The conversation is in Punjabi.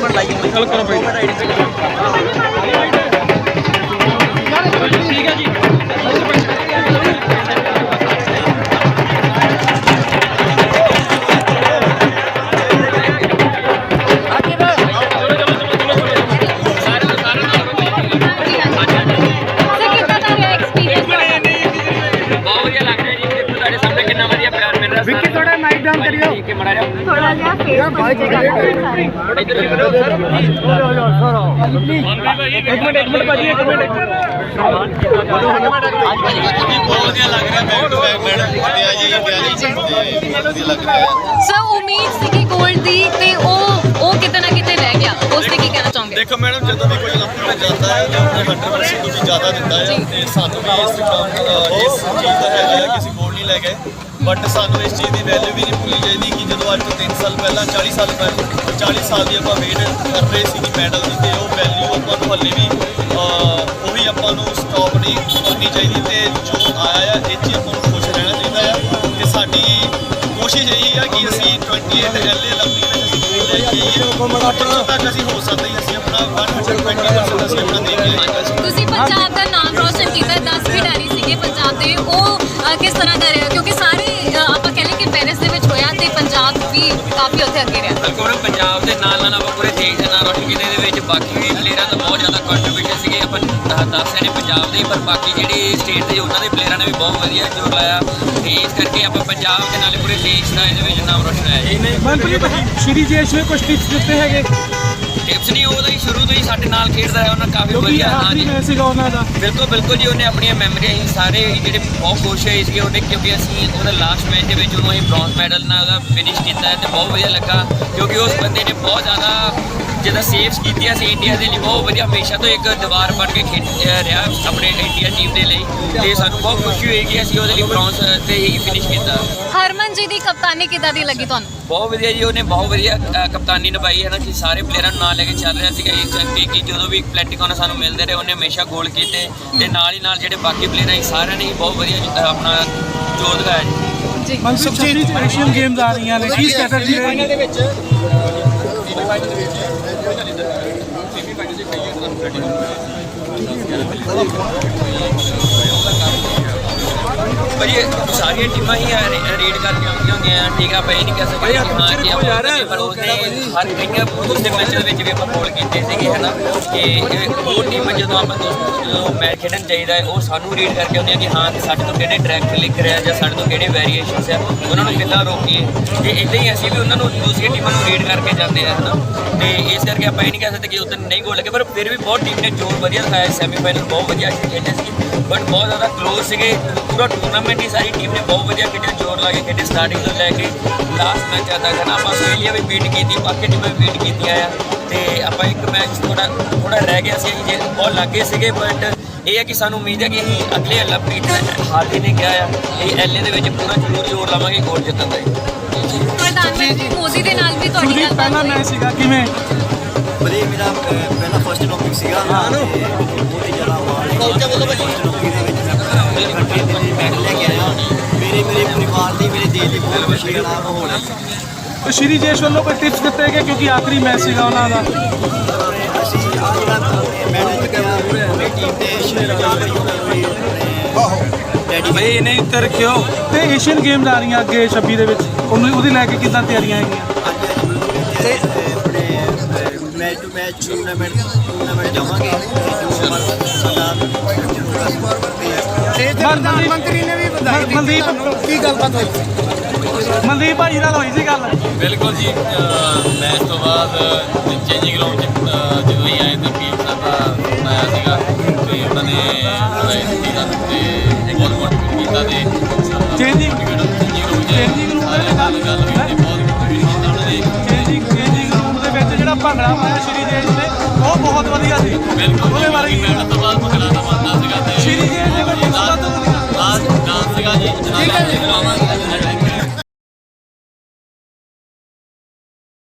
कैमरा लाइए चलो करो भाई ठीक है जी उम्मीद सी कि गोल्ड दी ते ओ किते ना किते रह गया उसने की कहना चाहोगे? देखो मैडम जो भी कोई ओलंपिक जाता है तो अपने 100% ਤੋਂ ਵੀ ਜ਼ਿਆਦਾ ਦਿੰਦਾ ਹੈ ਤੇ ਸਾਨੂੰ ਵੀ ਇਸ ਚੀਜ਼ ਦਾ ਹੈਗਾ ਕਿਸੇ ਗੋਲਡ ਨਹੀਂ ਲੈ ਗਏ ਬਟ ਸਾਨੂੰ ਇਸ ਚੀਜ਼ ਦੀ ਵੈਲਿਊ ਵੀ ਨਹੀਂ ਭੁੱਲਣੀ ਚਾਹੀਦੀ ਕਿ ਜਦੋਂ ਅੱਜ ਤੋਂ 3 ਸਾਲ ਪਹਿਲਾਂ 40 ਸਾਲ ਪਹਿਲਾਂ 40 ਸਾਲ ਦੀ ਆਪਾਂ ਵੇਟ ਕਰ ਰਹੇ ਸੀ ਕਿ ਮੈਡਲ ਦੀ ਤੇ ਉਹ ਵੈਲਿਊ ਆਪਾਂ ਨੂੰ ਹੱਲੇ ਵੀ ਉਹ ਵੀ ਆਪਾਂ ਨੂੰ ਸਟਾਪ ਨਹੀਂ ਕਰਨੀ ਚਾਹੀਦੀ ਤੇ ਜੋ ਆਇਆ ਆ ਇਹ 'ਚ ਆਪਾਂ ਨੂੰ ਖੁਸ਼ ਰਹਿਣਾ ਚਾਹੀਦਾ ਆ ਤੇ ਸਾਡੀ ਕੋਸ਼ਿਸ਼ ਇਹੀ ਆ ਕਿ ਅਸੀਂ 28 ਐਲਏ 올림픽 ਤੱਕ ਅਸੀਂ ਹੋ ਸਕਦੇ ਅਸੀਂ ਆਪਣਾ 120% ਅਸੀਂ ਆਪਣਾ ਦੇ ਕੇ ਆਏਗਾ ਤੁਸੀਂ ਪੰਜਾਬ ਦਾ ਨਾਮ ਰੋਸ਼ਨ ਕੀਤਾ 10 ਖਿਡਾਰੀ ਸੀਗੇ ਪੰਜਾਬ ਦੇ ਉਹ ਕਿਸ ਤਰ੍ਹਾਂ ਦਾ ਰਿਹਾ ਕਿਉਂਕਿ ਸਾਰੇ ਆਪਾਂ ਕਹਿੰਦੇ ਕਿ ਪੈਰਿਸ ਦੇ ਵਿੱਚ ਹੋਇਆ ਤੇ ਪੰਜਾਬ ਵੀ ਕਾਫੀ ਉੱਥੇ ਅੱਗੇ ਰਿਹਾ ਬਿਲਕੁਲ ਪੰਜਾਬ ਦੇ ਨਾਲ ਆਪਾਂ ਪੂਰੇ ਦੇਸ਼ ਦਾ ਨਾਮ ਰੋਸ਼ਨ ਕੀਤੇ ਦੇ ਵਿੱਚ ਬਾਕੀ ਵੀ ਪਲੇਅਰਾਂ ਦਾ ਬਹੁਤ ਜ਼ਿਆਦਾ ਕੰਟਰੀਬਿਊਸ਼ਨ ਸੀਗੇ ਆਪਾਂ ਦੱਸ ਰਹੇ ਨੇ ਪੰਜਾਬ ਦੇ ਪਰ ਬਾਕੀ ਜਿਹੜੇ ਸਟੇਟ ਦੇ ਉਹਨਾਂ ਦੇ ਪਲੇਅਰਾਂ ਨੇ ਵੀ ਬਹੁਤ ਵਧੀਆ ਜੋਰ ਲਾਇਆ ਤੇ ਇਸ ਕਰਕੇ ਆਪਾਂ ਪੰਜਾਬ ਦੇ ਨਾਲ ਪੂਰੇ ਦੇਸ਼ ਦਾ ਇਹਦੇ ਵਿੱਚ ਨਾਮ ਰੋਸ਼ਨ ਹੋਇਆ ਜੀ ਮਨਪ੍ਰੀਤ ਸ਼੍ਰੀ ਜੇਸ਼ ਨੇ ਕੁਝ ਟਿਪਸ ਦਿੱਤੇ ਹੈਗੇ ਟਿਪਸ ਨਹੀਂ ਉਹਦਾ ਹੀ ਸ਼ੁਰੂ ਤੋਂ ਹੀ ਸਾਡੇ ਨਾਲ ਖੇਡਦਾ ਹੈ ਉਹਨਾਂ ਕਾਫੀ ਵਧੀਆ ਹਾਂਜੀ ਸੀਗਾ ਉਹਨਾਂ ਦਾ ਬਿਲਕੁਲ ਜੀ ਉਹਨੇ ਆਪਣੀਆਂ ਮੈਮਰੀਆਂ ਹੀ ਸਾਰੇ ਜਿਹੜੇ ਬਹੁਤ ਖੁਸ਼ ਹੋਏ ਸੀਗੇ ਉਹਨੇ ਕਿਉਂਕਿ ਅਸੀਂ ਉਹਦਾ ਲਾਸਟ ਮੈਚ ਦੇ ਵਿੱਚ ਉਹਨੂੰ ਅਸੀਂ ਬ੍ਰੌਂਜ਼ ਮੈਡਲ ਨਾਲ ਉਹਦਾ ਫਿਨਿਸ਼ ਕੀਤਾ ਤੇ ਬਹੁਤ ਵਧੀਆ ਲੱਗਾ ਕਿਉਂਕਿ ਉਸ ਬੰਦੇ ਨੇ ਬਹੁਤ ਜ਼ਿਆਦਾ ਜਿਹਦਾ ਸੇਵਸ ਕੀਤੀਆਂ ਸੀ ਇੰਡੀਆ ਦੇ ਲਈ ਬਹੁਤ ਵਧੀਆ ਹਮੇਸ਼ਾ ਤੋਂ ਇੱਕ ਦੀਵਾਰ ਬਣ ਕੇ ਖੇਡ ਰਿਹਾ ਆਪਣੇ ਇੰਡੀਆ ਟੀਮ ਦੇ ਲਈ ਤੇ ਸਾਨੂੰ ਬਹੁਤ ਖੁਸ਼ੀ ਹੋਈ ਕਿ ਅਸੀਂ ਉਹਦੇ ਲਈ ਬ੍ਰੌਂਜ਼ ਤੇ ਹੀ ਫਿਨਿਸ਼ ਕੀਤਾ ਹਰਮਨ ਜੀ ਦੀ ਕਪਤਾਨੀ ਕਿੱਦਾਂ ਦੀ ਲੱਗੀ ਤੁਹਾਨੂੰ ਬਹੁਤ ਵਧੀਆ ਜੀ ਉਹਨੇ ਬਹੁਤ ਵਧੀਆ ਕਪਤਾਨੀ ਨਿਭਾਈ ਹੈ ਨਾ ਕਿ ਸਾਰੇ ਪਲੇਅਰਾਂ ਨੂੰ ਨਾਲ ਲੈ ਕੇ ਚੱਲ ਰਿਹਾ ਸੀਗਾ ਇਹ ਚੰਗੀ ਕਿ ਜਦੋਂ ਵੀ ਪਲੈਟਿਕੋਨ ਸਾਨੂੰ ਮਿਲਦੇ ਰਹੇ ਉਹਨੇ ਹਮੇਸ਼ਾ ਗੋਲ ਕੀਤੇ ਤੇ ਨਾਲ ਹੀ ਨਾਲ ਜਿਹੜੇ ਬਾਕੀ ਪਲੇਅਰ ਹੈ ਸਾਰਿਆਂ ਨੇ ਬਹੁਤ ਵਧੀਆ ਆਪਣਾ ਜੋਰ ਦਿਖਾਇਆ ਜੀ ਮਨਸੁਖ ਜੀ ਏਸ਼ੀਅਨ ਗੇਮਸ ਆ ਰਹੀਆਂ ਨੇ ਕੀ ਸਟ੍ਰੈਟਜੀ ਰਹੇਗੀ ਦੇ ਵਿੱਚ ਭਾਜੀ ਸਾਰੀਆਂ ਟੀਮਾਂ ਹੀ ਰੀਡ ਕਰਕੇ ਆਉਂਦੀਆਂ ਹੁੰਦੀਆਂ ਠੀਕ ਆ ਆਪਾਂ ਇਹ ਨਹੀਂ ਕਹਿ ਸਕਦੇ ਕਿ ਹਾਂ ਕਿ ਪਰ ਉਹਨੇ ਹਰ ਕਈਆਂ ਦੂਸਰੇ ਮੈਚ ਦੇ ਵਿੱਚ ਵੀ ਆਪਾਂ ਗੋਲ ਕੀਤੇ ਸੀਗੇ ਹੈ ਨਾ ਕਿ ਉਹ ਟੀਮ ਜਦੋਂ ਆਪਾਂ ਜਦੋਂ ਮੈਚ ਖੇਡਣ ਚਾਹੀਦਾ ਹੈ ਉਹ ਸਾਨੂੰ ਰੀਡ ਕਰਕੇ ਆਉਂਦੀਆਂ ਕਿ ਹਾਂ ਕਿ ਸਾਡੇ ਤੋਂ ਕਿਹੜੇ ਡਾਇਰੈਕਟ ਲਿਖ ਰਿਹਾ ਜਾਂ ਸਾਡੇ ਤੋਂ ਕਿਹੜੇ ਵੇਰੀਏਸ਼ਨਸ ਆ ਉਹਨਾਂ ਨੂੰ ਕਿੱਦਾਂ ਰੋਕੀਏ ਤੇ ਇੱਦਾਂ ਹੀ ਅਸੀਂ ਵੀ ਉਹਨਾਂ ਨੂੰ ਦੂਸਰੀਆਂ ਟੀਮਾਂ ਨੂੰ ਰੀਡ ਕਰਕੇ ਜਾਂਦੇ ਆ ਹੈ ਨਾ ਤੇ ਇਸ ਕਰਕੇ ਆਪਾਂ ਇਹ ਨਹੀਂ ਕਹਿ ਸਕਦੇ ਕਿ ਉਦੋਂ ਨਹੀਂ ਗੋਲ ਲੱਗੇ ਪਰ ਫਿਰ ਵੀ ਬਹੁਤ ਟੀਮ ਨੇ ਜੋਰ ਵਧੀਆ ਦਿਖਾਇਆ ਸੈਮੀਫਾਈਨਲ ਬਹੁਤ ਵਧੀਆ ਖੇਡੇ ਸੀ ਬਟ ਬਹੁਤ ਜ਼ਿਆਦਾ ਕਲੋਜ਼ ਸੀਗੇ ਪੂਰਾ ਟੂਰਨਾਮੈਂਟ ਹੀ ਸਾਰੀ ਟੀਮ ਨੇ ਬਹੁਤ ਵਧੀਆ ਖੇਡਿਆ ਜੋਰ ਲਾ ਕੇ ਖੇਡੇ ਸਟਾਰਟਿੰਗ ਤੋਂ ਲੈ ਕੇ ਲਾਸਟ ਮੈਚ ਤੱਕ ਹੈ ਨਾ ਆਪਾਂ ਆਸਟ੍ਰੇਲੀਆ ਵੀ ਬੀਟ ਕੀਤੀ ਬਾਕੀ ਟੀਮਾਂ ਵੀ ਬੀਟ ਕੀਤੀਆਂ ਆ ਤੇ ਆਪਾਂ ਇੱਕ ਮੈਚ ਥੋੜਾ ਰਹਿ ਗਿਆ ਸੀ ਜੇ ਬਹੁਤ ਲੱਗੇ ਸੀਗੇ ਬਟ ਇਹ ਹੈ ਕਿ ਸਾਨੂੰ ਉਮੀਦ ਹੈ ਕਿ ਅਸੀਂ ਅਗਲੇ 올림픽 ਹਾਰ ਹੀ ਨਹੀਂ ਗਿਆ ਆ ਇਹ ਐਲਏ ਦੇ ਵਿੱਚ ਪੂਰਾ ਜ਼ਰੂਰ ਜੋਰ ਲਾਵਾਂਗੇ ਗੋਲ ਜਿੱਤਣ ਦਾ ਪ੍ਰਧਾਨ ਮੰਤਰੀ ਮੋਦੀ ਦੇ ਨਾਲ ਵੀ ਤੁਹਾਡੀ ਗੱਲ ਪਹਿਲਾਂ ਮੈਚ ਸੀਗਾ ਕਿਵੇਂ ਵਧੀਆ ਮੇਰਾ ਪਹਿਲਾ ਫਸਟ 올림픽 ਸੀਗਾ ਬਹੁਤ ਹੀ ਜ਼ਿਆਦਾ ਫਸਟ 올림픽 ਦੇ ਵਿੱਚ ਮੈਂ ਕੰਟਰੀ ਦੇ ਮੈਡਲ ਲੈ ਕੇ ਆਇਆ ਮੇਰੇ ਪਰਿਵਾਰ ਦੀ ਮੇਰੇ ਦੇਸ਼ ਦੀ ਬਹੁਤ ਖੁਸ਼ੀ ਦਾ ਮਾਹੌਲ ਹੈ ਤੇ ਸ਼੍ਰੀ ਜੇਸ਼ ਵੱਲੋਂ ਕੋਈ ਟਿਪਸ ਦਿੱਤੇ ਗਏ ਕਿਉਂਕਿ ਆਖਰੀ ਮੈਚ ਸੀਗਾ ਉਹਨਾਂ ਦਾ ਅਸੀਂ ਆਹ ਜਿਹੜਾ ਮੈਡਲ ਜਿੱਤਿਆ ਪੂਰੀ ਟੀਮ ਦੇ ਰੈਡੀ ਬਈ ਇਹਨੇ ਇੱਥੇ ਰੱਖਿਓ ਤੇ ਏਸ਼ੀਅਨ ਗੇਮਸ ਆ ਰਹੀਆਂ ਅੱਗੇ 26 ਦੇ ਵਿੱਚ ਉਹਦੀ ਲੈ ਕੇ ਕਿੱਦਾਂ ਤਿਆਰੀਆਂ ਹੈਗੀਆਂ ਤੇ ਮੈਚ ਟੂ ਮੈਚ ਟੂਰਨਾਮੈਂਟ ਜਾਵਾਂਗੇ ਪ੍ਰਧਾਨ ਮੰਤਰੀ ਨੇ ਵੀ ਵਧਾਈ ਦਿੱਤੀ ਮਨਦੀਪ ਕੀ ਗੱਲਬਾਤ ਹੋਈ ਮਨਦੀਪ ਭਾਈ ਨਾਲ ਹੋਈ ਸੀ ਗੱਲ ਬਿਲਕੁਲ ਜੀ ਮੈਚ ਤੋਂ ਬਾਅਦ ਚੇਂਜਿੰਗ ਰੂਮ 'ਚ ਜਦੋਂ ਹੀ ਆਏ ਤਾਂ ਪੀਐਮ ਸਾਹਿਬ ਦਾ ਬਣਾਇਆ ਸੀਗਾ ਤੇ ਉਹਨਾਂ ਨੇ ਤੇ ਬਹੁਤ ਮੋਟੀਵੇਟ ਕੀਤਾ ਤੇ ਚੇਂਜਿੰਗ ਰੂਮ 'ਚ ਗੱਲ ਹੋਈ ਤੇ ਬਹੁਤ ਮੋਟੀਵੇਟ ਕੀਤਾ ਉਹਨਾਂ ਨੇ ਚੇਂਜਿੰਗ ਰੂਮ ਦੇ ਵਿੱਚ ਜਿਹੜਾ ਭੰਗੜਾ ਪਾਇਆ ਸ਼੍ਰੀ ਜੇਸ਼ ਨੇ ਉਹ ਬਹੁਤ ਵਧੀਆ ਸੀ ਬਿਲਕੁਲ ਉਹਦੇ ਬਾਰੇ ਮੈਚ ਤੋਂ ਬਾਅਦ ਭੰਗੜਾ ਤਾਂ ਬਣਦਾ ਸੀਗਾ ਤੇ ਸ਼੍ਰੀ ਜੇਸ਼ ਨੇ ਕੋਈ ਡਾਂਸ ਸੀਗਾ ਜੀ ਜਨਾਬ